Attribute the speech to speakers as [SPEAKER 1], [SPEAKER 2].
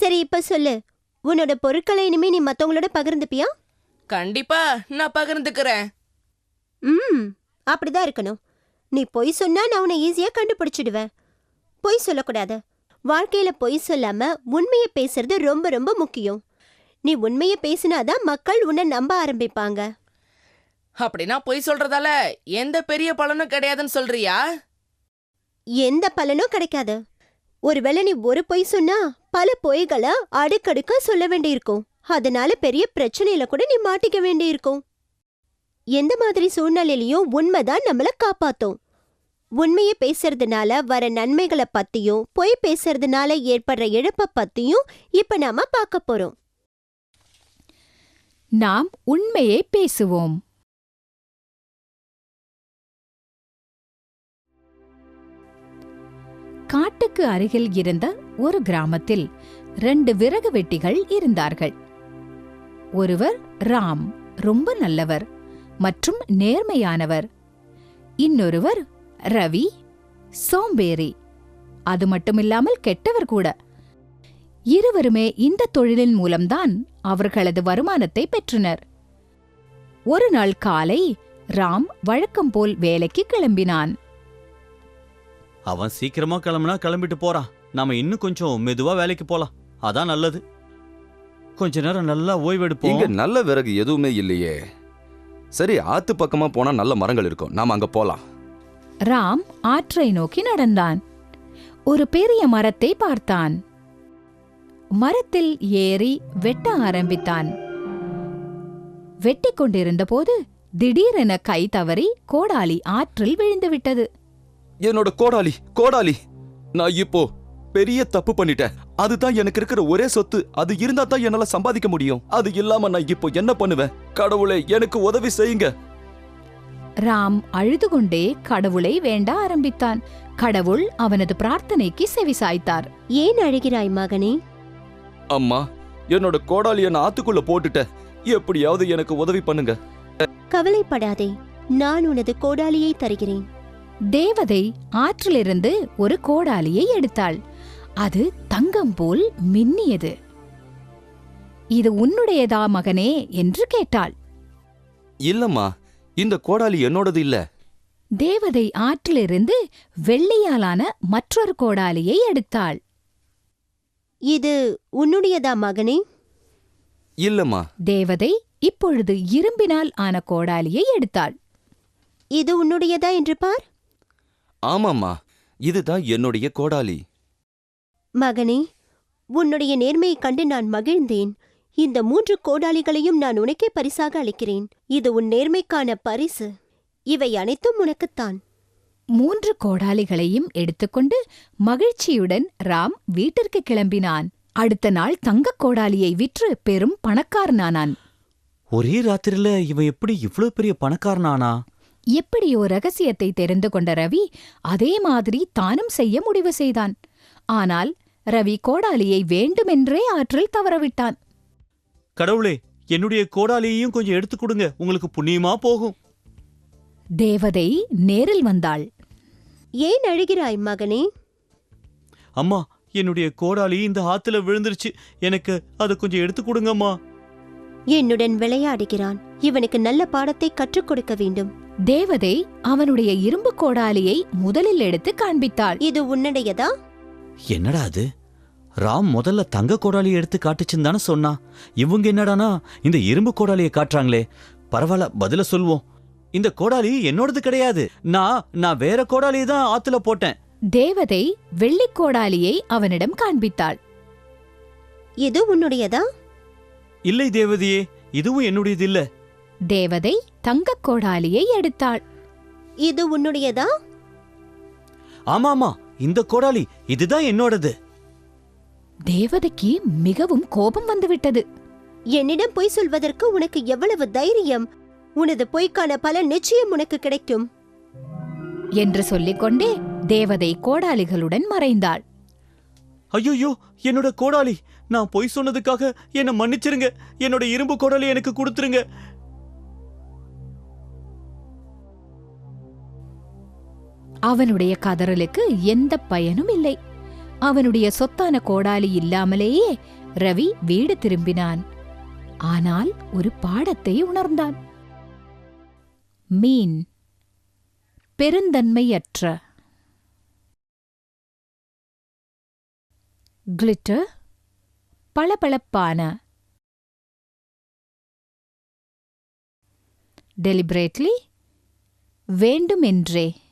[SPEAKER 1] சரி, இப்ப சொல்லு, உன்னோட பொருட்களை இனிமே நீ மத்தவங்களோட பகிர்ந்துப்பியா?
[SPEAKER 2] கண்டிப்பா நான் பகிர்ந்துக்கிறேன்.
[SPEAKER 1] அப்படிதான் இருக்கணும். நீ பொய் சொன்னா நான் உன்னை ஈஸியா கண்டுபிடிச்சிடுவேன். பொய் சொல்லக்கூடாது. வாழ்க்கையில பொய் சொல்லாம உண்மையை பேசுறது ரொம்ப ரொம்ப முக்கியம். நீ உண்மையை பேசினாதான் மக்கள் உன்னை நம்ப ஆரம்பிப்பாங்க.
[SPEAKER 2] அப்படின்னா பொய் சொல்றதால எந்த பெரிய பலனும் கிடையாதுன்னு சொல்றியா?
[SPEAKER 1] எந்த பலனும் கிடைக்காது. ஒருவேளை நீ ஒரு பொய் சொன்னா பல பொய்களை அடுக்கடுக்கா சொல்ல வேண்டியிருக்கும். அதனால பெரிய பிரச்சனையில கூட நீ மாட்டிக்க வேண்டியிருக்கும். எந்த மாதிரி சூழ்நிலையிலையும் உண்மைதான் நம்மள காப்பாத்தும். உண்மையை பேசுறதுனால வர நன்மைகளை பத்தியும் பொய் பேசுறதுனால ஏற்படுற இழப்ப பத்தியும் இப்ப நாம பார்க்க போறோம்.
[SPEAKER 3] நாம் உண்மையை பேசுவோம். காட்டுக்கு அருகில் இருந்த ஒரு கிராமத்தில் 2 விறகு வெட்டிகள் இருந்தார்கள். ஒருவர் ராம், ரொம்ப நல்லவர் மற்றும் நேர்மையானவர். இன்னொருவர் ரவி, சோம்பேறி, அது மட்டுமில்லாமல் கெட்டவர் கூட. இருவருமே இந்த தொழிலின் மூலம்தான் அவர்களது வருமானத்தை பெற்றனர். ஒரு நாள் காலை ராம் வழக்கம் போல் வேலைக்கு கிளம்பினான்.
[SPEAKER 4] அவன் சீக்கிரமா கிளம்புனா கிளம்பிட்டு போறான். நாம இன்னும் கொஞ்சம் மெதுவா வேலைக்கு போலாம். அதான் நல்லது. கொஞ்ச நேரம் நல்லா ஓய்வெடுப்போம்.
[SPEAKER 5] இங்க நல்ல விறகு எதுவுமே இல்லையே. சரி, ஆத்து பக்கமா போனா நல்ல மரங்கள் இருக்கும், நாம அங்க போலாம்.
[SPEAKER 3] ராம் ஆற்றை நோக்கி நடந்தான். ஒரு பெரிய மரத்தை பார்த்தான். மரத்தில் ஏறி வெட்ட ஆரம்பித்தான். வெட்டிக் கொண்டிருந்த போது திடீரென கை தவறி கோடாலி ஆற்றில் விழுந்துவிட்டது.
[SPEAKER 5] என்னோட கோடாலி, நான் இப்போ பெரிய தப்பு பண்ணிட்டேன். அதுதான் எனக்கு இருக்கிற ஒரே சொத்து. அது இருந்தா தான் என்னால சம்பாதிக்க முடியும். அது இல்லாம நான் இப்போ என்ன பண்ணுவேன்? கடவுளே, எனக்கு உதவி செய்யுங்க.
[SPEAKER 3] ராம் அழுது கொண்டே கடவுளை வேண்ட ஆரம்பித்தான். கடவுள் அவனது பிரார்த்தனைக்கு செவிசாய்த்தார்.
[SPEAKER 1] ஏன் அழுகிறாய் மகனே?
[SPEAKER 5] அம்மா, என்னோட கோடாலியை நான் ஆத்துக்குள்ள போட்டுட்டேன். எப்படியாவது எனக்கு உதவி பண்ணுங்க.
[SPEAKER 1] கவலைப்படாதே, நான் உனது கோடாலியை தருகிறேன்.
[SPEAKER 3] தேவதை ஆற்றிலிருந்து ஒரு கோடாலியை எடுத்தாள். அது தங்கம் போல் மின்னியது. இது உன்னுடையதா மகனே என்று கேட்டாள்.
[SPEAKER 5] இல்லம்மா, இந்த கோடாலி என்னோடது இல்ல.
[SPEAKER 3] தேவதை ஆற்றிலிருந்து வெள்ளியாலான மற்றொரு கோடாலியை எடுத்தாள்.
[SPEAKER 1] இது உன்னுடையதா மகனே?
[SPEAKER 5] இல்லம்மா.
[SPEAKER 3] தேவதை இப்பொழுது இரும்பினால் ஆன கோடாலியை எடுத்தாள்.
[SPEAKER 1] இது உன்னுடையதா என்று பார்.
[SPEAKER 5] ஆமாம்மா, இதுதான் என்னுடைய கோடாலி.
[SPEAKER 1] மகனே, உன்னுடைய நேர்மையைக் கண்டு நான் மகிழ்ந்தேன். இந்த 3 கோடாலிகளையும் நான் உனக்கே பரிசாக அளிக்கிறேன். இது உன் நேர்மைக்கான பரிசு. இவை அனைத்தும் உனக்குத்தான்.
[SPEAKER 3] 3 கோடாலிகளையும் எடுத்துக்கொண்டு மகிழ்ச்சியுடன் ராம் வீட்டிற்கு கிளம்பினான். அடுத்த நாள் தங்கக் கோடாலியை விற்று பெரும் பணக்காரனானான்.
[SPEAKER 4] ஒரே ராத்திரில இவன் எப்படி இவ்ளோ பெரிய பணக்காரனானா?
[SPEAKER 3] எப்படியோ ரகசியத்தை தெரிந்து கொண்ட ரவி அதே மாதிரி தானும் செய்ய முடிவு செய்தான். ஆனால் ரவி கோடாலியை வேண்டுமென்றே ஆற்றில் தவறவிட்டான்.
[SPEAKER 4] கடவுளே, என்னுடைய கோடாலியையும் கொஞ்சம் எடுத்து கொடுங்க, உங்களுக்கு புண்ணியமா போகும்.
[SPEAKER 3] தேவதை நேரில் வந்தாள்.
[SPEAKER 1] ஏன் அழுகிறாய் மகனே?
[SPEAKER 4] அம்மா, என்னுடைய கோடாலி இந்த ஆத்துல விழுந்துருச்சு. எனக்கு அதை கொஞ்சம் எடுத்து கொடுங்கம்மா.
[SPEAKER 1] என்னுடன் விளையாடுகிறான். இவனுக்கு நல்ல பாடத்தை கற்றுக் கொடுக்க வேண்டும்.
[SPEAKER 3] தேவதை அவனுடைய இரும்பு கோடாலியை முதலில் எடுத்து காண்பித்தாள்.
[SPEAKER 1] இது உன்னுடையதா?
[SPEAKER 4] என்னடா அது? ராம் முதல்ல தங்க கோடாலியை எடுத்து காட்டுச்சுன்னு தானே சொன்னா. இவங்க என்னடானா இந்த இரும்பு கோடாலியை காட்டுறாங்களே. பரவாயில்ல, பதில சொல்வோம். இந்த கோடாலி என்னோடது கிடையாது. நான் வேற கோடாலியை தான் ஆத்துல போட்டேன்.
[SPEAKER 3] தேவதை வெள்ளிக் கோடாலியை அவனிடம் காண்பித்தாள்.
[SPEAKER 1] இது உன்னுடையதா?
[SPEAKER 4] இல்லை தேவதையே, இதுவும் என்னுடையது இல்ல.
[SPEAKER 3] தேவதை தங்கக் கோடாலியை எடுத்தாள்.
[SPEAKER 1] இது உன்னுடையதா?
[SPEAKER 4] ஆமாமா, இந்த கோடாலி இதுதான் என்னோடது.
[SPEAKER 3] தேவதைக்கு மிகவும் கோபம் வந்துவிட்டது.
[SPEAKER 1] என்னிடம் பொய் சொல்வதற்கு உனக்கு எவ்வளவு தைரியம்! உனது பொய்க்கான பலன் நிச்சயம் உனக்கு கிடைக்கும்
[SPEAKER 3] என்று சொல்லிக்கொண்டே தேவதை கோடாலிகளுடன் மறைந்தாள்.
[SPEAKER 4] ஐயோ, என்னோட கோடாலி! நான் பொய் சொன்னதுக்காக என்ன மன்னிச்சிருங்க. என்னோட இரும்பு கோடாலி எனக்கு கொடுத்துருங்க.
[SPEAKER 3] அவனுடைய கதறலுக்கு எந்த பயனும் இல்லை. அவனுடைய சொத்தான கோடாலி இல்லாமலேயே ரவி வீடு திரும்பினான். ஆனால் ஒரு பாடத்தை உணர்ந்தான். மீன் பெருந்தன்மையற்ற. கிளிட்டர் பளபளப்பான. டெலிபரேட்லி வேண்டுமென்றே.